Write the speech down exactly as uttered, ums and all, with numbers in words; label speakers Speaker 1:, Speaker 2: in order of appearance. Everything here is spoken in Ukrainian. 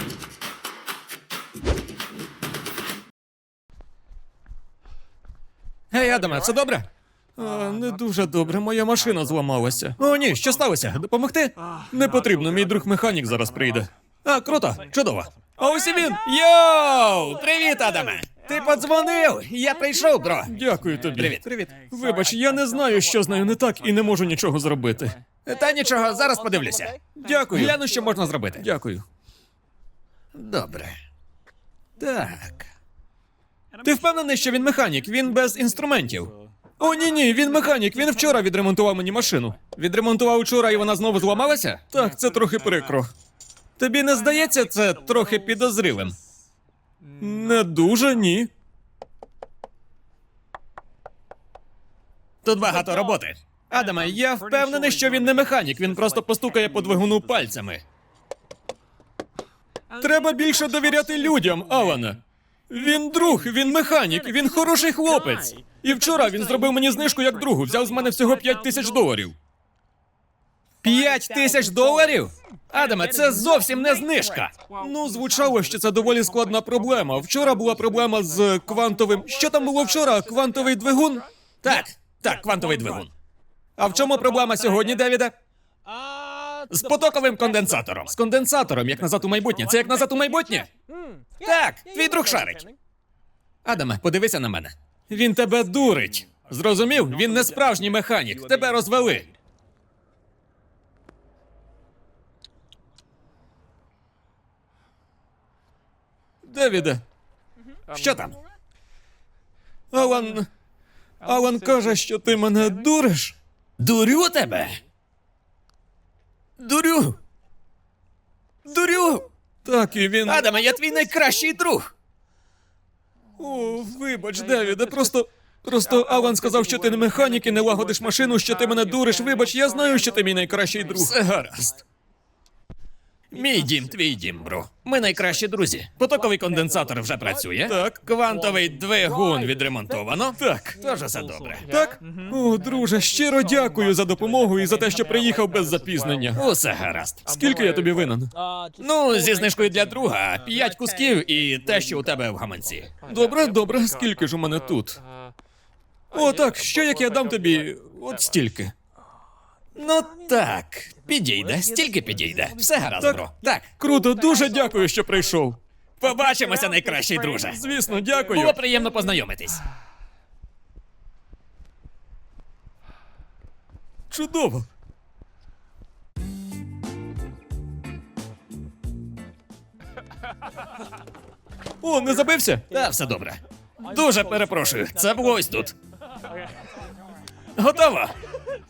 Speaker 1: Гей, Адаме, все добре? А, не дуже добре, моя машина зламалася. О, ні, що сталося? Допомогти? Не потрібно, мій друг механік зараз прийде. А, круто, чудово. А ось і він! Йоу! Привіт, Адаме! Ти подзвонив! Я прийшов, бро! Дякую тобі. Привіт. Привіт. Вибач, я не знаю, що з нею не так, і не можу нічого зробити. Та нічого, зараз подивлюся. Дякую. Гляну, що можна зробити. Дякую. Добре. Так. Ти впевнений, що він механік? Він без інструментів. О, ні-ні, він механік, він вчора відремонтував мені машину. Відремонтував вчора і вона знову зламалася? Так, це трохи прикро. Тобі не здається це трохи підозрілим? Не дуже, ні. Тут багато роботи. Адаме, я впевнений, що він не механік, він просто постукає по двигуну пальцями. Треба більше довіряти людям, Алане. Він друг, він механік, він хороший хлопець. І вчора він зробив мені знижку як другу, взяв з мене всього п'ять тисяч доларів. П'ять тисяч доларів? Адаме, це зовсім не знижка. Ну, звучало, що це доволі складна проблема. Вчора була проблема з квантовим... Що там було вчора? Квантовий двигун? Так, так, квантовий двигун. А в чому проблема сьогодні, Девіде? З потоковим конденсатором. З конденсатором, як назад у майбутнє. Це як назад у майбутнє? Так, твій друг шарить. Адаме, подивися на мене. Він тебе дурить. Зрозумів? Він не справжній механік. Тебе розвели. Девіде. Що там? Алан... Алан каже, що ти мене дуриш. Дурю тебе? Дурю. Дурю. Так, і він... Адаме, я твій найкращий друг. О, вибач, Девіде, просто... Просто Алан сказав, що ти не механік і не лагодиш машину, що ти мене дуриш. Вибач, я знаю, що ти мій найкращий друг. Все гаразд. Мій дім, твій дім, бро. Ми найкращі друзі. Потоковий конденсатор вже працює. Так. Квантовий двигун відремонтовано. Так. Тож все добре. Так? О, друже, щиро дякую за допомогу і за те, що приїхав без запізнення. Усе гаразд. Скільки я тобі винен? Ну, зі знижкою для друга, п'ять кусків і те, що у тебе в гаманці. Добре, добре. Скільки ж у мене тут? О, так, що як я дам тобі от стільки? Ну так, підійде, стільки підійде. Все гаразд, так, бро. Так. Круто, дуже дякую, що прийшов. Побачимося, найкращий друже. Звісно, дякую. Було приємно познайомитись. Чудово. О, не забився? Та, все добре. Дуже перепрошую, це було ось тут. Готово?